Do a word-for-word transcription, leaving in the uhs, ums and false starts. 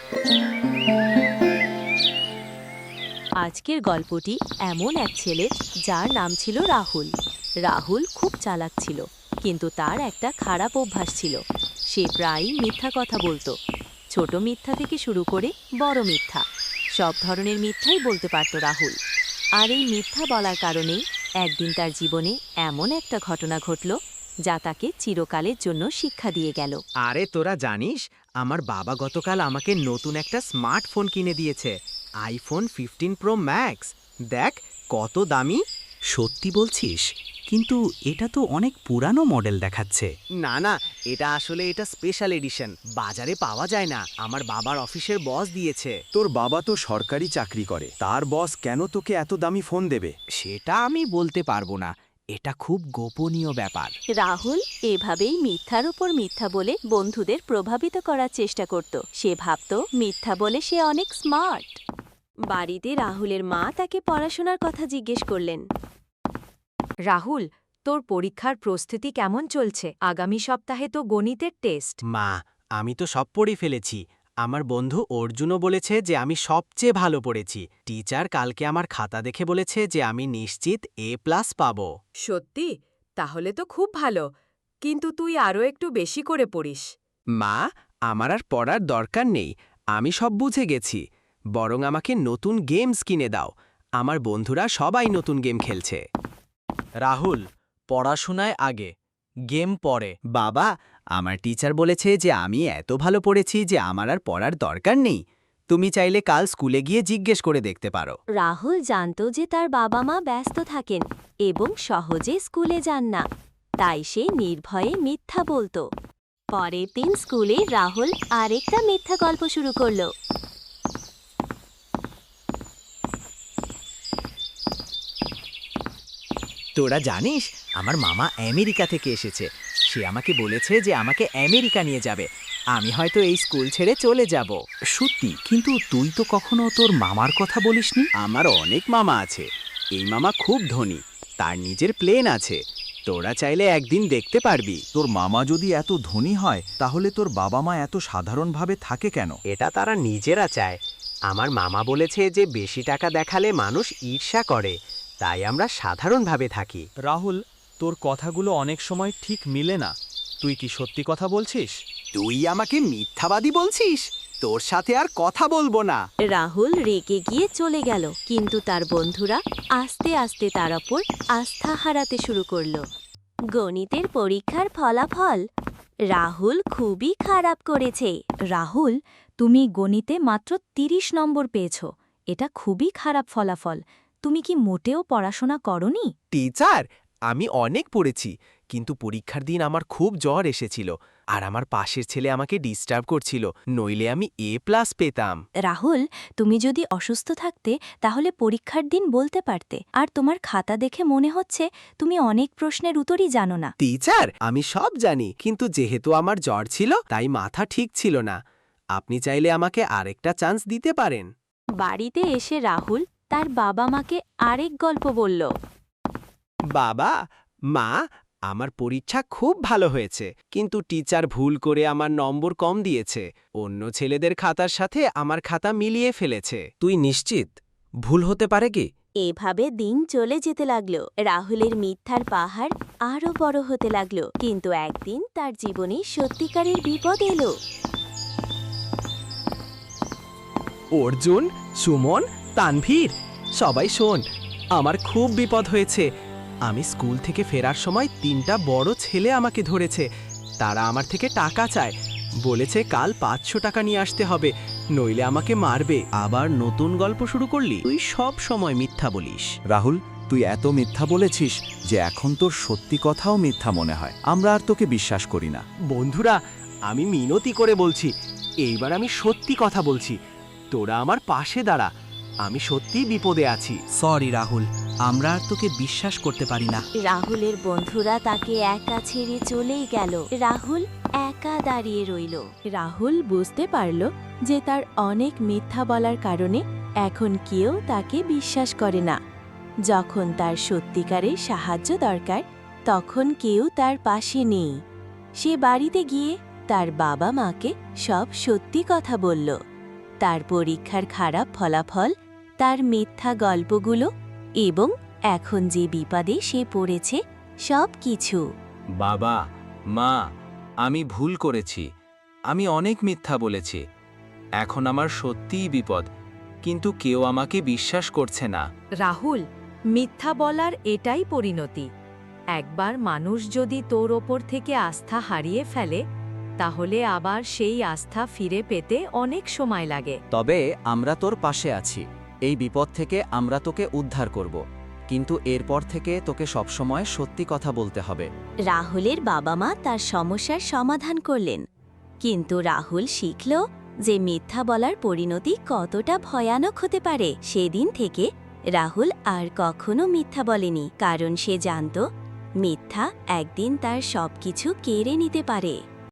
আজকের গল্পটি এমন এক ছেলে যার নাম ছিল রাহুল। রাহুল খুব চালাক ছিল, কিন্তু তার একটা খারাপ অভ্যাস ছিল। সে প্রায়ই মিথ্যা কথা বলতো। ছোট মিথ্যা থেকে শুরু করে বড় মিথ্যা, সব ধরনের মিথ্যাই বলতে পারত রাহুল। আর এই মিথ্যা বলার কারণেই একদিন তার জীবনে এমন একটা ঘটনা ঘটল যা তাকে চিরকালের জন্য শিক্ষা দিয়ে গেল। আরে তোরা জানিস, আমার বাবা গতকাল আমাকে নতুন একটা স্মার্টফোন কিনে দিয়েছে, আইফোন ফিফটিন প্রো ম্যাক্স। দেখ কত দামি। সত্যি বলছিস? কিন্তু এটা তো অনেক পুরানো মডেল দেখাচ্ছে। না না, এটা আসলে এটা স্পেশাল এডিশন, বাজারে পাওয়া যায় না। আমার বাবার অফিসের বস দিয়েছে। তোর বাবা তো সরকারি চাকরি করে, তার বস কেন তোকে এত দামি ফোন দেবে? সেটা আমি বলতে পারবো না, এটা খুব গোপনীয় ব্যাপার। রাহুল এভাবেই মিথ্যার উপর মিথ্যা বলে বন্ধুদের প্রভাবিত করার চেষ্টা করত। সে ভাবত মিথ্যা বলে সে অনেক স্মার্ট। বাড়িতে রাহুলের মা তাকে পড়াশোনার কথা জিজ্ঞেস করলেন। রাহুল, তোর পরীক্ষার প্রস্তুতি কেমন চলছে? আগামী সপ্তাহে তো গণিতের টেস্ট। মা, আমি তো সব পড়ে ফেলেছি। আমার বন্ধু অর্জুনও বলেছে যে আমি সবচেয়ে ভালো পড়েছি। টিচার কালকে আমার খাতা দেখে বলেছে যে আমি নিশ্চিত এ প্লাস পাবো। সত্যি? তাহলে তো খুব ভালো, কিন্তু তুই আরও একটু বেশি করে পড়িস। মা, আমার আর পড়ার দরকার নেই, আমি সব বুঝে গেছি। বরং আমাকে নতুন গেমস কিনে দাও। আমার বন্ধুরা সবাই নতুন গেম খেলছে। রাহুল, পড়াশোনায় আগে, গেম পরে। বাবা, আমার টিচার বলেছে যে আমি এত ভালো পড়েছি যে আমার আর পড়ার দরকার নেই। তুমি চাইলে কাল স্কুলে গিয়ে জিজ্ঞেস করে দেখতে পারো। রাহুল জানত যে তার বাবা মা ব্যস্ত থাকেন এবং সহজে স্কুলে যান না, তাই সে নির্ভয়ে মিথ্যা বলতো। পরের দিন স্কুলে রাহুল আরেকটা মিথ্যা গল্প শুরু করল। তোরা জানিস, আমার মামা আমেরিকা থেকে এসেছে। সে আমাকে বলেছে যে আমাকে আমেরিকা নিয়ে যাবে। আমি হয়তো এই স্কুল ছেড়ে চলে যাব। সত্যি? কিন্তু তুই তো কখনো তোর মামার কথা বলিসনি। আমার অনেক মামা আছে। এই মামা খুব ধনী, তার নিজের প্লেন আছে। তোরা চাইলে একদিন দেখতে পারবি। তোর মামা যদি এত ধনী হয়, তাহলে তোর বাবা মা এত সাধারণভাবে থাকে কেন? এটা তারা নিজেরা চায়। আমার মামা বলেছে যে বেশি টাকা দেখালে মানুষ ঈর্ষা করে, তাই আমরা সাধারণভাবে থাকি। রাহুল, তোর কথাগুলো অনেক সময় ঠিক মিলে না। তুই কি সত্যি কথা বলছিস? তুই আমাকে মিথ্যাবাদী বলছিস? তোর সাথে আর কথা বলবো না। রাহুল রেগে গিয়ে চলে গেল, কিন্তু তার বন্ধুরা আস্তে আস্তে তার ওপর আস্থা হারাতে শুরু করল। গণিতের পরীক্ষার ফলাফল, রাহুল খুবই খারাপ করেছে। রাহুল, তুমি গণিতে মাত্র তিরিশ নম্বর পেয়েছ। এটা খুবই খারাপ ফলাফল। তুমি কি মোটেও পড়াশোনা করনি? টিচার, আমি অনেক পড়েছি, কিন্তু পরীক্ষার দিন আমার খুব জ্বর এসেছিল আর আমার পাশের ছেলে আমাকে ডিস্টার্ব করছিল, নইলে আমি এ প্লাস পেতাম। রাহুল, তুমি যদি অসুস্থ থাকতে তাহলে পরীক্ষার দিন বলতে পারতে। আর তোমার খাতা দেখে মনে হচ্ছে তুমি অনেক প্রশ্নের উত্তরই জানো না। টিচার, আমি সব জানি, কিন্তু যেহেতু আমার জ্বর ছিল তাই মাথা ঠিক ছিল না। আপনি চাইলে আমাকে আরেকটা চান্স দিতে পারেন। বাড়িতে এসে রাহুল তার বাবা মাকে আরেক গল্প বলল। বাবা, মা, আমার পরীক্ষা খুব ভালো হয়েছে, কিন্তু টিচার ভুল করে আমার নম্বর কম দিয়েছে। অন্য ছেলেদের খাতার সাথে আমার খাতা মিলিয়ে ফেলেছে। তুই নিশ্চিত ভুল হতে পারে কি? এভাবে দিন চলে যেতে লাগলো। রাহুলের মিথ্যার পাহাড় আরো বড় হতে লাগলো, কিন্তু একদিন তার জীবনে সত্যিকারের বিপদ এলো। অর্জুন, সুমন, তানভীর, সবাই শোন, আমার খুব বিপদ হয়েছে। আমি স্কুল থেকে ফেরার সময় তিনটা বড় ছেলে আমাকে ধরেছে। তারা আমার থেকে টাকা চায়, বলেছে কাল পাঁচশো টাকা নিয়ে আসতে হবে, নইলে আমাকে মারবে। আবার নতুন গল্প শুরু করলি? তুই সব সময় মিথ্যা বলিস। রাহুল, তুই এত মিথ্যা বলেছিস যে এখন তোর সত্যি কথাও মিথ্যা মনে হয়। আমরা আর তোকে বিশ্বাস করি না। বন্ধুরা, আমি মিনতি করে বলছি, এইবার আমি সত্যি কথা বলছি। তোরা আমার পাশে দাঁড়া, আমি সত্যিই বিপদে আছি। সরি রাহুল, আমরা আর তোকে বিশ্বাস করতে পারি না। রাহুলের বন্ধুরা তাকে একা ছেড়ে চলেই গেল। রাহুল একা দাঁড়িয়ে রইল। রাহুল বুঝতে পারল যে তার অনেক মিথ্যা বলার কারণে এখন কেউ তাকে বিশ্বাস করে না। যখন তার সত্যিকারের সাহায্য দরকার, তখন কেউ তার পাশে নেই। সে বাড়িতে গিয়ে তার বাবা মাকে সব সত্যি কথা বলল। তার পরীক্ষার খারাপ ফলাফল, তার মিথ্যা গল্পগুলো এবং এখন যে বিপদে সে পড়েছে সব কিছু। বাবা, মা, আমি ভুল করেছি। আমি অনেক মিথ্যা বলেছি। এখন আমার সত্যিই বিপদ, কিন্তু কেউ আমাকে বিশ্বাস করছে না। রাহুল, মিথ্যা বলার এটাই পরিণতি। একবার মানুষ যদি তোর ওপর থেকে আস্থা হারিয়ে ফেলে, তাহলে আবার সেই আস্থা ফিরে পেতে অনেক সময় লাগে। তবে আমরা তোর পাশে আছি। এই বিপদ থেকে আমরা তোকে উদ্ধার করব, কিন্তু এরপর থেকে তোকে সবসময় সত্যি কথা বলতে হবে। রাহুলের বাবা মা তার সমস্যার সমাধান করলেন, কিন্তু রাহুল শিখল যে মিথ্যা বলার পরিণতি কতটা ভয়ানক হতে পারে। সেদিন থেকে রাহুল আর কখনো মিথ্যা বলেনি, কারণ সে জানত মিথ্যা একদিন তার সবকিছু কেড়ে নিতে পারে।